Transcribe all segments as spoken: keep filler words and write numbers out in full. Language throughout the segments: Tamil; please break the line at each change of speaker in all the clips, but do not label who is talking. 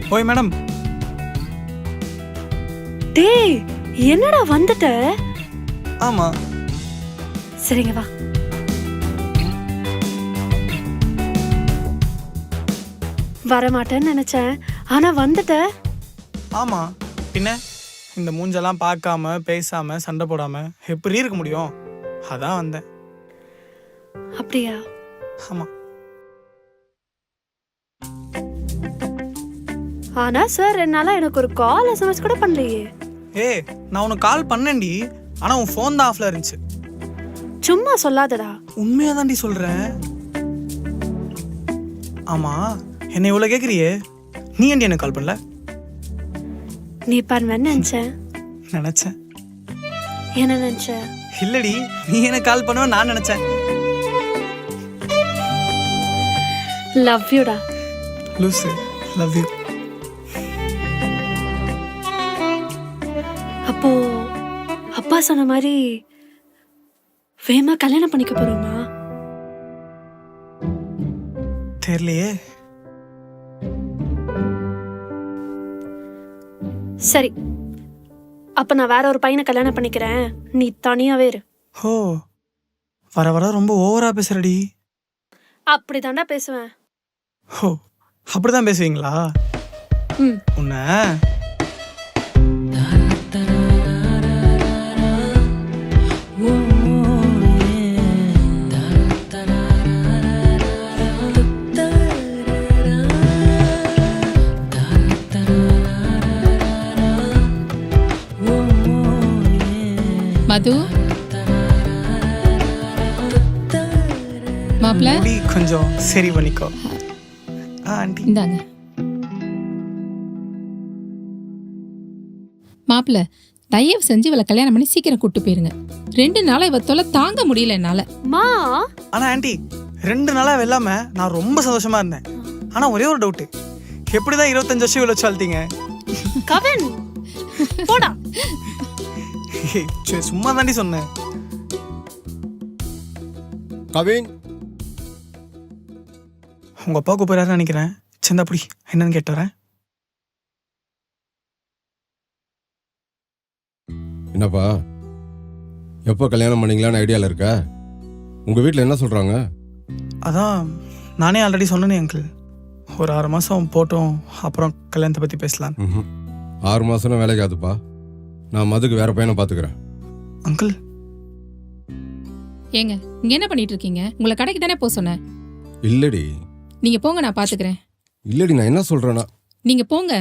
ஓய் மேடம்.
டேய் என்னடா வந்துட்ட?
ஆமா.
சரிங்க வா. வரமாட்டேன்னு நினைச்சேன், ஆனா வந்துட்ட.
ஆமா, பின்ன இந்த மூஞ்செல்லாம் பார்க்காம பேசாம சண்டை போடாம எப்படி இருக்க முடியும்? அதான் வந்தேன்.
அப்படியா?
ஆமா.
ஆனா சார் என்னால எனக்கு ஒரு கால் எஸ்எம்எஸ் கூட பண்ணலையே.
ஏய், நான் உனக்கு கால் பண்ணேன்டி, ஆனா உன் ஃபோன் தான் ஆஃப்ல இருந்துச்சு.
சும்மா சொல்லாதடா.
உண்மையா தாண்டி சொல்றேன். ஆமா, என்னை இவ்வளவு கேக்குறியே, நீ ஏன்டி எனக்கு கால் பண்ணல?
நீ பண்ணுவேன்னு நினைச்சேன்.
நினைச்சேன்.
என்ன நினைச்ச?
இல்லடி, நீ எனக்கு கால் பண்ணுவ நான் நினைச்சேன்.
லவ் யூடா.
லூசு, லவ் யூ.
அப்போ அப்பா சொன்ன மாதிரி வேமா கல்யாணம் பண்ணிக்க போறோமா?
தெரியலையே.
சரி, அப்ப நான் வேற ஒரு பையனை கல்யாணம் பண்ணிக்கிறேன், நீ தனியாவே இரு.
ஓ, வர வர ரொம்ப ஓவரா பேசுறடி.
அப்படிதான்டா பேசுவேன்.
ஓ, அப்படிதான் பேசுவீங்களா?
ம்.
உன்ன
மது மாப்பிள்ள
முடி கொஞ்சம் சரி பண்ணிக்கோ. ஆ ஆண்டி.
இந்தாங்க மாப்பிள்ள, தயவு செஞ்சு இவளை கல்யாணம் பண்ணி சீக்கிரம் கூட்டு போயிருங்க. ரெண்டு நாளா இவ தொலை தாங்க முடியல என்னால.
மா
ஆனா ஆண்டி, ரெண்டு நாளா வெல்லாம நான் ரொம்ப சந்தோஷமா இருந்தேன். ஆனா ஒரே ஒரு டவுட், எப்படிதான் இருபத்தஞ்சு வருஷம் இவ்வளவு வளர்த்தீங்க?
கவின் போடா.
சரி, சும்மா தாண்டி சொன்னேன்.
கவின்,
உங்க அப்பா கூப்பிடுறாருன்னு நினைக்கிறேன். சின்ன அப்படி என்னன்னு கேட்டு வரேன்.
என்னப்பா, எப்போ கல்யாணம் பண்ணீங்களான்னு ஐடியாவில் இருக்க? உங்கள் வீட்டில் என்ன சொல்கிறாங்க?
அதான் நானே ஆல்ரெடி சொன்னேனே அங்கிள், ஒரு ஆறு மாதம் போட்டோம், அப்புறம் கல்யாணத்தை பற்றி பேசலாம்.
ம், ஆறு மாதம் வேலைக்கு ஆகுதுப்பா. நான் மதுக்கு வேற பையனை பார்த்துக்கிறேன்.
அங்கிள்,
ஏங்க இங்க என்ன பண்ணிட்டு இருக்கீங்க? உங்களை கடைக்கு தானே போக சொன்னேன்.
இல்லடி
நீங்க போங்க, நான் பாத்துக்கிறேன்.
இல்லடி, நான் என்ன சொல்கிறேன்னா,
நீங்க போங்க.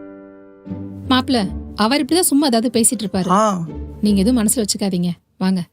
மாப்பிள்ள, அவர் இப்படிதான் சும்மா ஏதாவது பேசிட்டு இருப்பாரு.
ஆ
நீங்க எதுவும் மனசுல வச்சுக்காதீங்க, வாங்க.